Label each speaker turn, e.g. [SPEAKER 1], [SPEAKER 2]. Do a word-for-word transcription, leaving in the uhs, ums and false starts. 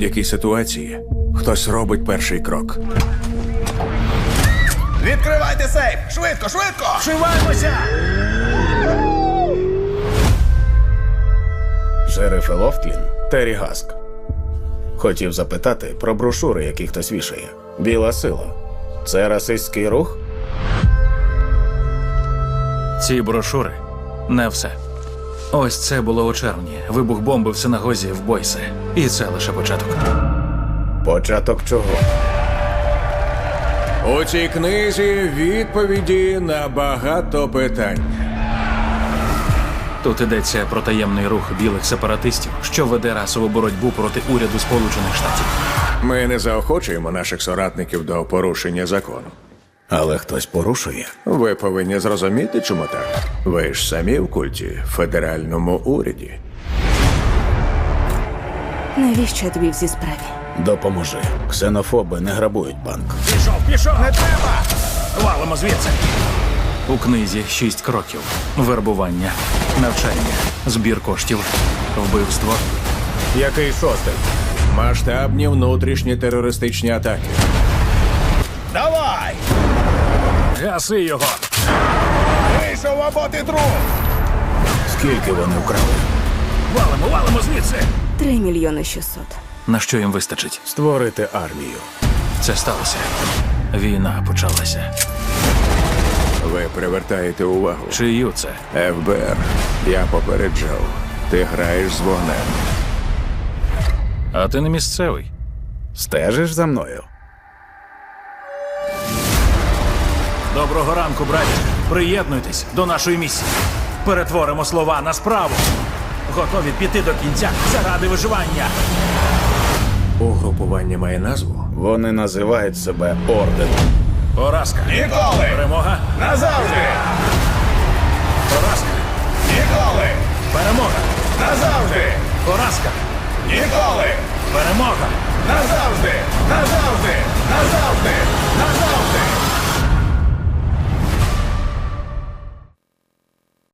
[SPEAKER 1] будь-якій ситуації хтось робить перший крок.
[SPEAKER 2] Відкривайте сейф! Швидко, швидко!
[SPEAKER 3] Вшиваємося!
[SPEAKER 4] Шериф Лофтлін, Террі Гаск. Хотів запитати про брошури, які хтось вішає. Біла сила. Це расистський рух?
[SPEAKER 3] Ці брошури – не все. Ось це було у червні. Вибух бомби в синагозі в Бойсе. І це лише початок.
[SPEAKER 4] Початок чого?
[SPEAKER 1] У цій книзі відповіді на багато питань.
[SPEAKER 3] Тут йдеться про таємний рух білих сепаратистів, що веде расову боротьбу проти уряду Сполучених Штатів.
[SPEAKER 1] Ми не заохочуємо наших соратників до порушення закону.
[SPEAKER 4] Але хтось порушує.
[SPEAKER 1] Ви повинні зрозуміти, чому так. Ви ж самі в культі, в федеральному уряді.
[SPEAKER 5] Навіщо я тобі в цій справі?
[SPEAKER 4] Допоможи. Ксенофоби не грабують банк.
[SPEAKER 3] Пішов, пішов! Не треба! Валимо звідси! У книзі шість кроків. Вербування, навчання, збір коштів, вбивство.
[SPEAKER 4] Який шостий?
[SPEAKER 1] Масштабні внутрішні терористичні атаки.
[SPEAKER 2] Давай!
[SPEAKER 3] Гаси його!
[SPEAKER 2] Вийшов або ти труп!
[SPEAKER 4] Скільки вони вкрали?
[SPEAKER 3] Валимо, валимо звідси!
[SPEAKER 5] Три мільйони шістсот.
[SPEAKER 3] На що їм вистачить?
[SPEAKER 4] Створити армію.
[SPEAKER 3] Це сталося. Війна почалася.
[SPEAKER 1] Ви привертаєте увагу.
[SPEAKER 3] Чию це?
[SPEAKER 1] еф бе ер, я попереджав. Ти граєш з вогнем.
[SPEAKER 3] А ти не місцевий.
[SPEAKER 4] Стежиш за мною?
[SPEAKER 3] Доброго ранку, браті. Приєднуйтесь до нашої місії. Перетворимо слова на справу. Готові піти до кінця заради виживання.
[SPEAKER 1] Угрупування має назву?
[SPEAKER 4] Вони називають себе орденом.
[SPEAKER 3] Поразка.
[SPEAKER 2] Ніколи!
[SPEAKER 3] Перемога.
[SPEAKER 2] Назавжди!
[SPEAKER 3] Поразка.
[SPEAKER 2] Ніколи!
[SPEAKER 3] Перемога.
[SPEAKER 2] Назавжди!
[SPEAKER 3] Поразка.
[SPEAKER 2] Ніколи!
[SPEAKER 3] Перемога.
[SPEAKER 2] Назавжди! Назавжди! Назавжди!